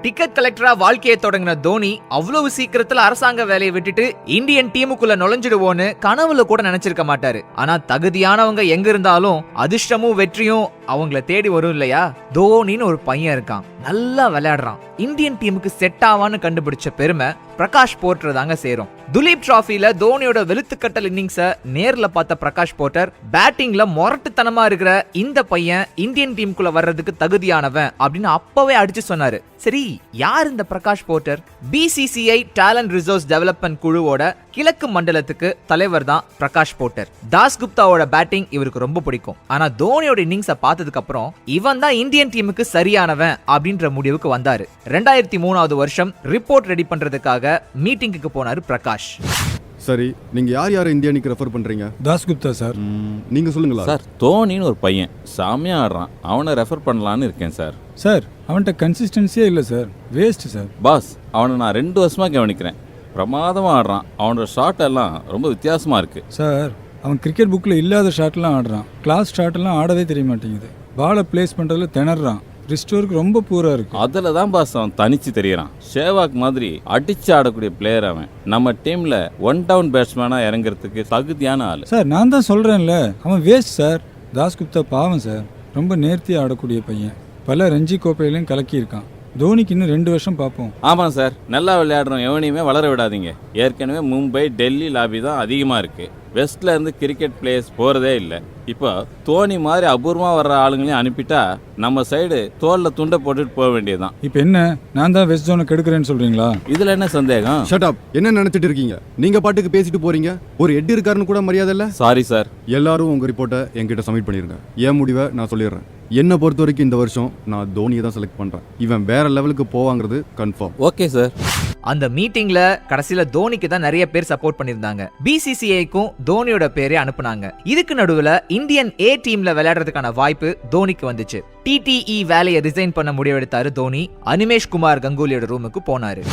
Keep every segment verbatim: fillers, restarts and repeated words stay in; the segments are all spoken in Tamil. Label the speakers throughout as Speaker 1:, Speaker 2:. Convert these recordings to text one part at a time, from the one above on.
Speaker 1: டிக்கெட் கலெக்டரா வாழ்க்கையை தொடங்கின தோனி அவ்வளவு சீக்கிரத்துல அரசாங்க வேலையை விட்டுட்டு இந்தியன் டீமுக்குள்ள நுழைஞ்சிடுவோன்னு கனவுல கூட நினைச்சிருக்க மாட்டாரு. ஆனா தகுதியானவங்க எங்க இருந்தாலும் அதிர்ஷ்டமும் வெற்றியும் அவங்கள தேடி வரும் இல்லையா? தோனின்னு ஒரு பையன் இருக்கான், நல்லா விளையாடுறான், இந்தியன் டீமுக்கு செட் ஆவான்னு கண்டுபிடிச்ச பெருமை பிரகாஷ் போர்ட்டர் தாங்க சேரும். துலீப் டிராஃபில தோனியோட வெளுத்துக்கட்டல் இன்னிங்ஸ நேர்ல பார்த்த பிரகாஷ் போர்ட்டர் பேட்டிங்ல மொரட்டுத்தனமா இருக்கிற இந்த பையன் இந்தியன் டீமுக்குள்ள வர்றதுக்கு தகுதியானவன் அப்படின்னு அப்பவே அடிச்சு சொன்னாரு. சரி, யார் இந்த Prakash Poddar? BCCI talent resource development குழுவோட கிழக்கு மண்டலத்துக்கு தலைவர் தான் பிரகாஷ் போர்ட்டர். தாஸ் குப்தாவோட பேட்டிங் இவருக்கு ரொம்ப பிடிக்கும். ஆனா தோனியோட இன்னிங்ஸ பார்த்ததுக்கு அப்புறம் இவன் தான் இந்தியன் டீமுக்கு சரியானவன் அப்படின்ற முடிவுக்கு வந்தாரு. ரெண்டாயிரத்தி மூணாவது வருஷம் ரிப்போர்ட் ரெடி பண்றதுக்காக மீட்டிங்குக்கு போனாரு பிரகாஷ்.
Speaker 2: சரி, நீங்க யார் யாரை இந்தியா அணிக்கு ரெஃபர் பண்றீங்க?
Speaker 3: தாஸ் குப்தா சார்.
Speaker 2: நீங்க சொல்லுங்களா
Speaker 4: சார்? தோனின்னு ஒரு பையன் சாமியா ஆடுறான், அவனை ரெஃபர் பண்ணலான்னு இருக்கேன் சார்.
Speaker 3: சார், அவன்கிட்ட கன்சிஸ்டன்சியே இல்லை சார், வேஸ்ட் சார்.
Speaker 4: பாஸ், அவனை நான் ரெண்டு வருஷமா கவனிக்கிறேன், பிரமாதமாக ஆடுறான். அவனோட ஷாட் எல்லாம் ரொம்ப வித்தியாசமா இருக்கு
Speaker 3: சார். அவன் கிரிக்கெட் புக்கில் இல்லாத ஷாட்லாம் ஆடுறான், கிளாஸ் ஷாட்லாம் ஆடவே தெரிய மாட்டேங்குது, பாலை பிளேஸ் பண்ணுறதுல திணறான், ரிஸ்டோருக்கு ரொம்ப பூரா இருக்கு.
Speaker 4: அதில் தான் பாஸ் அவன் தனிச்சு தெரியறான். ஷேவாக் மாதிரி அடிச்சு ஆடக்கூடிய பிளேயர் அவன். நம்ம டீம்ல ஒன் டவுன் பேட்ஸ்மேனா இறங்குறதுக்கு தகுதியான ஆள்
Speaker 3: சார். நான் தான் சொல்றேன்ல, அவன் வேஸ்ட் சார். தாஸ் குப்தா பாவம் சார், ரொம்ப நேர்த்தியாக ஆடக்கூடிய பையன், பல ரஞ்சி கோப்பையிலையும் கலக்கியிருக்கான். தோனிக்கு இன்னும் ரெண்டு வருஷம் பார்ப்போம்.
Speaker 4: ஆமாம் சார், நல்லா விளையாடுறோம் எவனையுமே வளர விடாதீங்க. ஏற்கனவே மும்பை டெல்லி லாபி தான் அதிகமாக இருக்கு, வெஸ்ட்ல இருந்து கிரிக்கெட் பிளேயர்ஸ் போறதே இல்லை. இப்போ தோனி மாதிரி அபூர்வமா வர்ற ஆளுங்களையும் அனுப்பிட்டா நம்ம சைடு தோல்ல துண்டை போட்டுட்டு போக வேண்டியதுதான்.
Speaker 3: இப்போ என்ன, நான் தான் வெஸ்ட் ஜோனை கெடுக்கிறேன்னு சொல்றீங்களா?
Speaker 4: இதுல என்ன சந்தேகம்?
Speaker 2: Shut என்ன நினைச்சிட்டு இருக்கீங்க? நீங்க பாட்டுக்கு பேசிட்டு போறீங்க. ஒரு ஹெட் இருக்காருன்னு கூட மரியாதை இல்ல.
Speaker 4: Sorry sir.
Speaker 2: எல்லாரும் உங்க ரிப்போர்ட்டை என்கிட்ட சப்மிட் பண்ணிருங்க. என் முடிவை நான் சொல்லிடுறேன். என்ன பொறுத்த வரைக்கும் இந்த வருஷம் நான் தோனியை தான் செலக்ட் பண்றேன். இவன் வேற லெவலுக்கு போவாங்கிறது கன்ஃபார்ம்.
Speaker 4: Okay sir.
Speaker 1: அந்த மீட்டிங்ல கடைசியில தோனிக்கு தான் நிறைய பேர் சப்போர்ட் பண்ணிருந்தாங்க. பிசிசிஐக்கும் தோனியோட பேரே அனுப்புனாங்க. இதுக்கு நடுவுல இந்தியன் ஏ டீம்ல விளையாடுறதுக்கான வாய்ப்பு தோனிக்கு வந்துச்சு. டிடிஇ வேலையை ரிசைன் பண்ண முடிவெடுத்தாரு தோனி. அனிமேஷ் குமார் கங்குலியோட ரூமுக்கு போனாரு.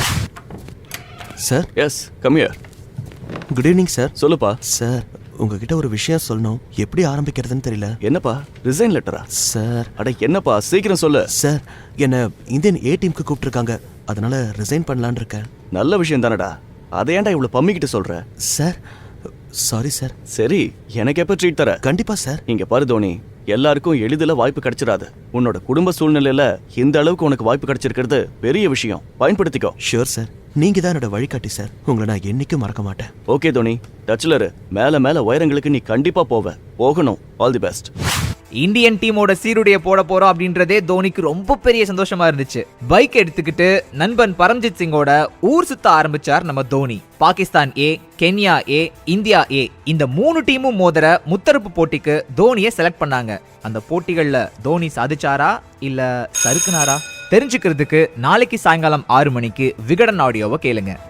Speaker 5: Sir.
Speaker 6: Yes, come here.
Speaker 5: Good evening sir.
Speaker 6: சொல்லுப்பா.
Speaker 5: சார், உங்ககிட்ட ஒரு விஷயம் சொல்லணும், எப்படி ஆரம்பிக்கிறதுன்னு தெரியல.
Speaker 6: என்னப்பா, ரிசைன் லெட்டரா?
Speaker 5: சார்.
Speaker 6: அட என்னப்பா, சீக்கிரம் சொல்லு.
Speaker 5: சார், என்ன இந்தியன் ஏ டீமுக்கு கூப்பிட்டுருக்காங்க, அதனால ரிசைன் பண்ணலான்னு இருக்கேன்.
Speaker 6: நல்ல விஷயம் தானடா, அதை ஏன்டா இவ்வளவு பம்மிக்கிட்டு சொல்ற?
Speaker 5: Sir, sorry sir.
Speaker 6: சரி, எனக்கு எப்ப ட்ரீட் தர?
Speaker 5: கண்டிப்பா சார்.
Speaker 6: இங்க பாரு தோனி, எல்லாருக்கும் எளிதில் வாய்ப்பு கிடைச்சிடாது. உன்னோட குடும்ப சூழ்நிலையில இந்த அளவுக்கு உனக்கு வாய்ப்பு கிடைச்சிருக்கிறது பெரிய விஷயம், பயன்படுத்திக்கோ.
Speaker 5: ஷூர் சார், நீங்க தான் என்னோட வழிகாட்டி சார், உங்களை நான் என்னைக்கும் மறக்க மாட்டேன்.
Speaker 6: ஓகே தோனி, டச்ல இரு. மேல மேல உயரங்களுக்கு நீ கண்டிப்பா போவ, போகணும். All the best.
Speaker 1: இந்தியன் டீமோட சீருடைய போட போறோம் அப்படின்றதே தோனிக்கு ரொம்ப பெரிய சந்தோஷமா இருந்துச்சு. பைக் எடுத்துக்கிட்டு நண்பன் பரம்ஜித் சிங்கோட ஊர் சுத்த ஆரம்பிச்சார் நம்ம Dhoni. Pakistan A, Kenya A, India A, இந்த மூணு டீமும் மோதிர முத்தரப்பு போட்டிக்கு தோனியை செலக்ட் பண்ணாங்க. அந்த போட்டிகள்ல தோனி சாதிச்சாரா இல்ல சறுக்குனாரா தெரிஞ்சுக்கிறதுக்கு நாளைக்கு சாயங்காலம் ஆறு மணிக்கு விகடன் ஆடியோவை கேளுங்க.